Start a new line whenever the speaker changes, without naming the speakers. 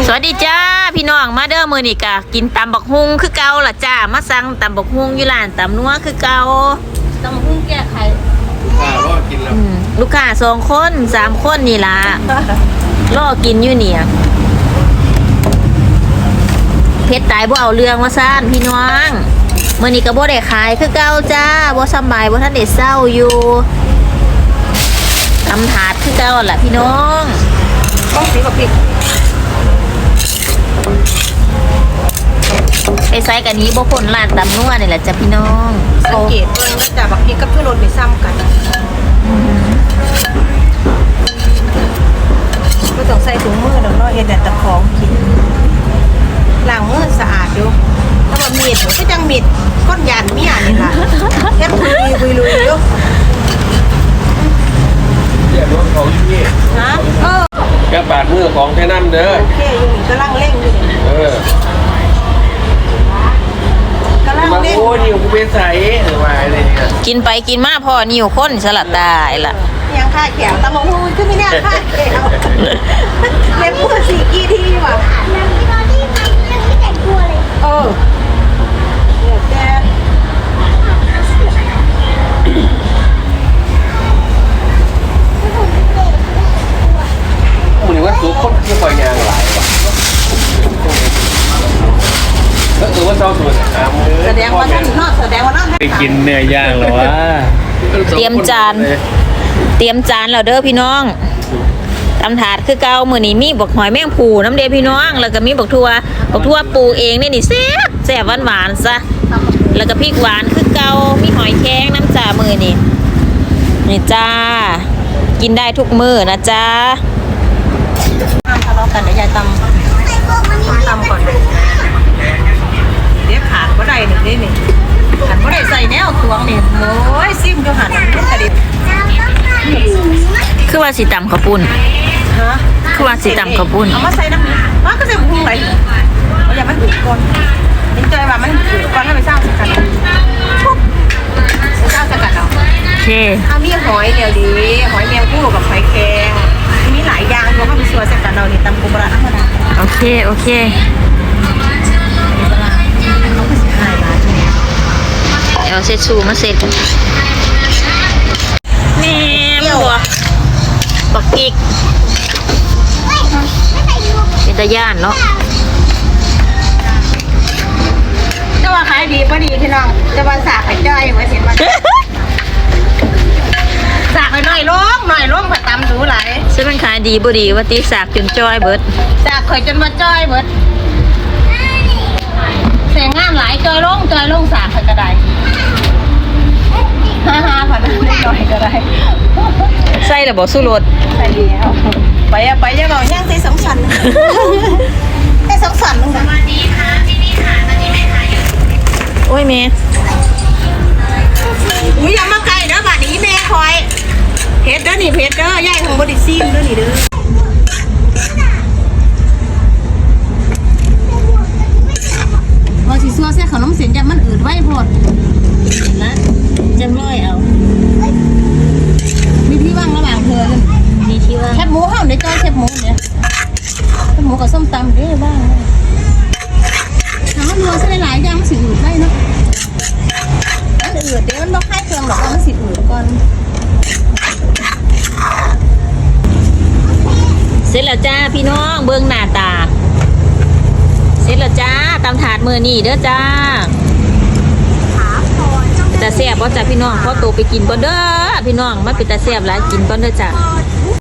สวัสดีจ้าพี่น้องมาเด้อมื้อนี้กะกินตำบักฮุงคือเก่าล่ะจ้ามาสั่งตำบักฮุงอยู่ร้านตำนัวคือเก่าตำบักฮุงแก้ไข
รอกินแล้ว
ลูกค้า2 คน3 คนนี่ล่ะรอกินอยู่เนี่ยเพชรตายบ่เอาเรื่องว่าซ่านพี่น้องมื้อนี้ก็บ่ได้ขายคือเก่าจ้าบ่สบายบ่ทันได้เศร้าอยู่ตำถาดคือเก่าล่ะพี่น้อง
ต้องสีกับพริก
ไปไซกันนี้บ่พ้นร้านตำนัวนี่แหละจ้ะพี่น้อง
สังเกตเบิ่งแล้วจ้ะบักพริกกับทุรนไม่ซ้ำกันไม่ต้องใส่ถุงมือดอกเนาะเฮ็ดแต่ตะของกินล้างมือสะอาดอยู่แล้วว่ามีดก็จังมีดก้นยานเมียนี่ล่ะเฮ็ดคุยลุยอยู่
เดี๋ยวรถเขาอยู่นี่
ฮะ
แกบาดมือของแค่น้ำเด้อ
โอเคอยู่นี่กำลังเร่งอยู่นี่กำลังเร่ง
โอ้ยกูเป็นใสหรือว่าอะไรเนี่ย
กินไปกินมาพอนิ่วข้นสลัดตายล่ะ
ยังค่าแขวตะมงหูคือไม่แน่ค่าแขวเล็บพูดสีกี่ทีว่ะเดี๋ยวแก
มึงว่าตัวคนที่คอยยางหลายว่ะก็ว่าเจ้าส่วน
แสดงว่าท่านนอกแสดงว่านั่น
ไปกินเนื้อย่างหรอวะ
เตรียมจานแล้วเด้อพี่น้องตำถาดคือเก่ามื้อนี้มีบักหอยแมงภูน้ำเด้พี่น้องแล้วก็มีบักทั่วปลูกเองนี่แซ่บหวานซะแล้วก็พริกหวานคือเก่ามีหอยแครงน้ำจ่ามื้อนี้นี่จ้ากินได้ทุกมื้อนะจ้า
ทะเลาะกันเดี๋ยวยายตำก่อนเดี๋ยวขาดบ่ได้นี่หันบ่ได้ใส่แนวตวงนี่โอ้ยซิมอยู่หันมันกระดิบ
คือว่าสิตำข้าวปุ้น
ฮะ
คือว่าสิตำข้าวปุ้น
เอามาใส่น้ำก็ใส่พุงไหลเอาอย่ามันถูกก่อนเห็นใจว่ามันถูกก่อนให้ไปสร้างสกัดสร้างสกัดเอา
โอเค
เอามีหอยเดี๋ยวดีหอยแมงผู้กับหอยแครงมีหลายอย่างรวมเข้าไปชัวร์สกัดเรานี่ตำกุบระธรรมดา
โอเคเอาเสร็จสูมาเสร็จนี่บักอีกเป็นตะย่านเนาะ
จะว่าขายดีป่ะดีพี่น้องจะว่าสากไอ้จ้อยไว้เห็นมันสากหน่อยล้มผัดตำดูหลาย
ซึ่งมันขายดีบ่ดีว่าตีสากจนจ้อยเบิด
สากข่อยจนมาจ้อยเบิดแสงงานหลายจ้อยลงสากข่อยก็ได้ฮ่าผัดจ้อยก็ได้
ใส่แล้วบ่สู้รส
ใส่แล้วไปอย่าบอกย่างใส่2 ชั้นใส่2 ชั้นนึงนะสวัสดีค่ะที่นี่ค่ะตอนนี้แม่ค้าอยู่
โอ้ยแม่
อย่ามาไกลเด้อบาดนี้แม่คอยเพชรเด้อนี่เพชรเด้อย่ายของบริซีมเด้อนี่เด้อว่าสิซัวใส่ขนมเส้นจะมันอืดไว้พอด
นะจังร้อยเอา
มีที่ว่างระหว่างเธอเลย
มีที่ว่าง
แคบหมูเฮาได้จ้อยแคบหมูเนี่ยแคบหมูกับส้มตำเด้อบ้างถามว่ารัวใส่หลายอย่างมันสิอืดได้เนาะมันอืดเดี๋ยวมันบ่คล้ายเครื่องหรอกมันสิอืดก่อน
เสร็จแล้วจ้าพี่น้องเบิ่งหน้าตาเสร็จแล้วจ้าตำถาดมื้อนี้เด้อจ้าแต่แซ่บบ่จ้าพี่น้องขอตัวไปกินก่อนเด้อพี่น้องมาเป็นตาแซ่บหลายกินก่อนเด้อจ้า